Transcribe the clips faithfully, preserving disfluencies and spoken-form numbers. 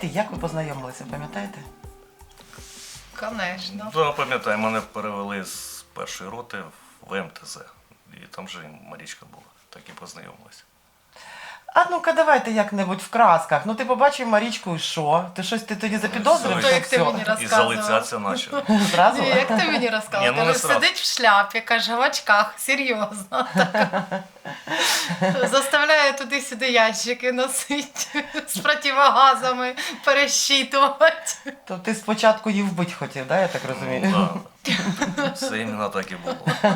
як ви познайомилися, пам'ятаєте? Конечно. Да, пам'ятаю, мене перевели з першої роти в ем те зет. І там же і Марічка була, так і познайомилися. А ну-ка давайте як-небудь в красках. Ну ти побачив Марічку і що? Ти щось ти тоді запідозрив, Ну, що то, як ти все? мені І розказував. залицятися почав. Зразу? Ні, як ти мені розказав? Ні, ну, не Каже, сразу. сидить в шляпі, каже, в очках, серйозно. Так. Заставляє туди-сюди ящики носити, з противогазами пересчитувати. То ти спочатку її вбити хотів, да, я так розумію? Ну, да. Все іменно так і було.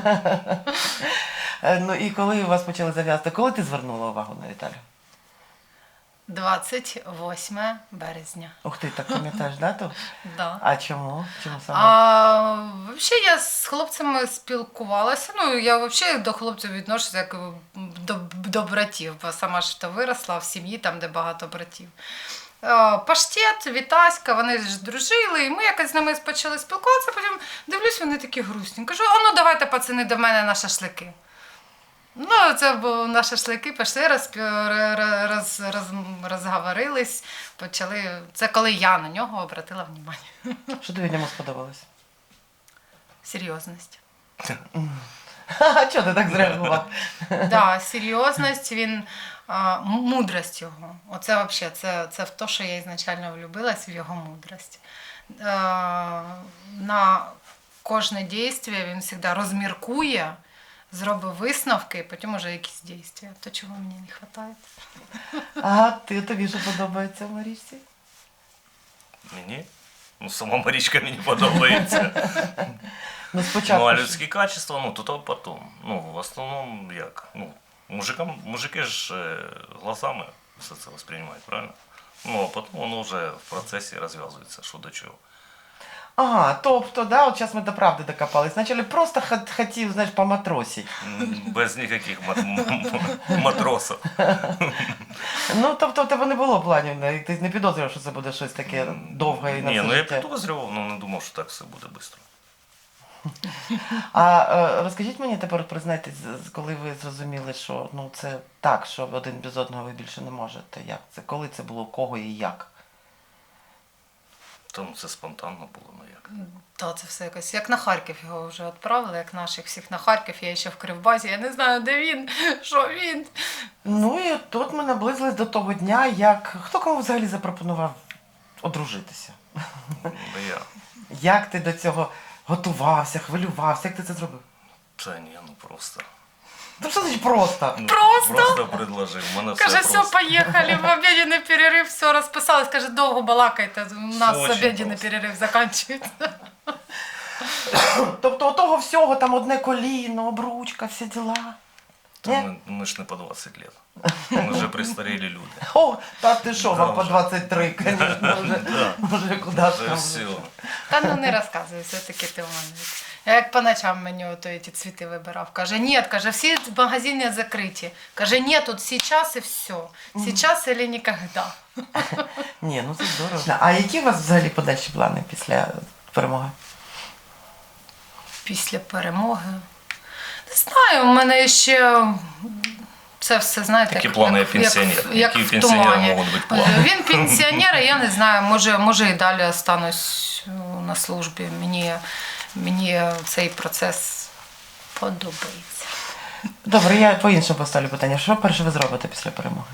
Е, Ну і коли у вас почали зав'язати, коли ти звернула увагу на Віталію? двадцять восьме березня. Ух ти, так пам'ятаєш дату? Да. А чому? Чому саме? А взагалі я з хлопцями спілкувалася. Ну, я взагалі до хлопців відношуся як до, до братів, бо сама ж то виросла в сім'ї, там, де багато братів. Е, Паштет, Вітаська, вони ж дружили, і ми якось з ними почали спілкуватися, потім дивлюсь, вони такі грустні. Кажу, а ну давайте, пацани, до мене на шашлики. Ну, це було на шашлики, пішли, розпі... роз... роз... розговорились, почали. Це коли я на нього обратила увагу. Що тобі в ньому сподобалось? Серйозність. А чого ти так зреагував? Да, серйозність, він, а, м- мудрость його. Оце взагалі, це, це в те, що я ізначально влюбилась в його мудрость. Е, на кожне дійство він завжди розміркує, зробить висновки, і потім уже якісь дійства. То, чого мені не вистачає. А ти, тобі що подобається в Марічці? Мені? Ну, сама Марічка мені подобається. Ну спочатку. Ну, а ж- людські качества, ну, то то потом. Ну, в основному, як? Ну, мужикам, мужики ж е, глазами все це восприймають, правильно? Ну, а потім воно вже в процесі розв'язується, що до чого. Ага, тобто, да, от зараз ми до правди докопались. Спочатку просто хот- хотів, знаєш, поматросити. М, Без ніяких мат- м- м- матросів. Ну, тобто, в тебе не було планів, не- ти не підозрював, що це буде щось таке довге і на Ні, все ну я життя. підозрював, але не думав, що так все буде швидко. А е, розкажіть мені тепер, признайтесь, з- з- коли ви зрозуміли, що ну це так, що один без одного ви більше не можете. Як це? Коли це було, у кого і як? Тому це спонтанно було, ну як. Та це все якось. Як на Харків його вже відправили, як наших всіх на Харків, я ще в Кривбазі, я не знаю, де він, що він. Ну і тут ми наблизились до того дня, як хто кому взагалі запропонував одружитися? Ну я. Як ти до цього готувався, хвилювався, як ти це зробив? Та ні, ну просто. Ну що значить просто? Ну, Просто? Просто предложив. У мене все Каже, все, просто. поїхали, в обіденний перерив, все, розписались. Каже, довго балакайте, у нас Очень обіденний просто. перерив закінчується. Тобто у того всього там одне коліно, обручка, всі діла. Та Ні? ми, ми ж не по двадцять років. Ми вже пристарілі люди. О, та ти що, Да, вам по вже. двадцять три, звісно, вже, Да. вже куди ж Це там. все. Та ну не розказуй, все-таки ти уманець. Я як по ночам мені ото ці цвіти вибирав. Каже, ні, каже, всі магазини закриті. Каже, ні, тут сейчас і все. Сейчас или ніколи. Ні, ну це здорово. А які у вас взагалі подальші плани після перемоги? Після перемоги. Не знаю, у мене ще це все, знаєте, Такі плани, як пенсіонер. як, Які як у в пенсіонера тумані. можуть бути плани? Він пенсіонер, і я не знаю, може, може і далі останусь на службі. Мені, мені цей процес подобається. Добре, я по-іншому поставлю питання. Що перше ви зробите після перемоги?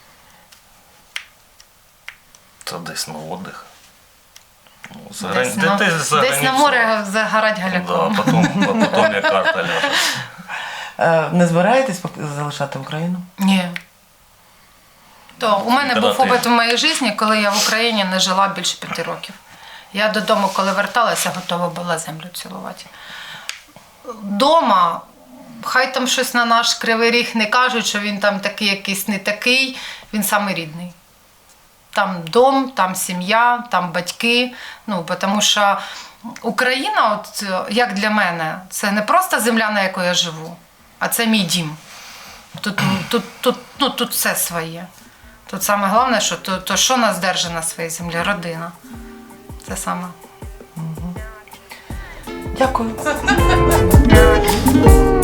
Та десь на отдих. Ну, за Десь, грани- на, де- десь за десь на границю. море загорать Да, галяком. потім, а потім як карта ляже. Е, не збираєтесь пок- залишати Україну? Ні. То у мене Коли був ти- опит у моїй житті, коли я в Україні не жила більше п'яти років. Я додому, коли верталася, готова була землю цілувати. Дома, хай там щось на наш Кривий Ріг не кажуть, що він там такий якийсь не такий, він самий рідний. Там дом, там сім'я, там батьки. Ну, тому що Україна, от, як для мене, це не просто земля, на якій я живу, а це мій дім. Тут, тут, тут, ну, тут все своє. Тут саме головне, що то, то що нас держить на своїй землі? Родина. Це саме. Дякую.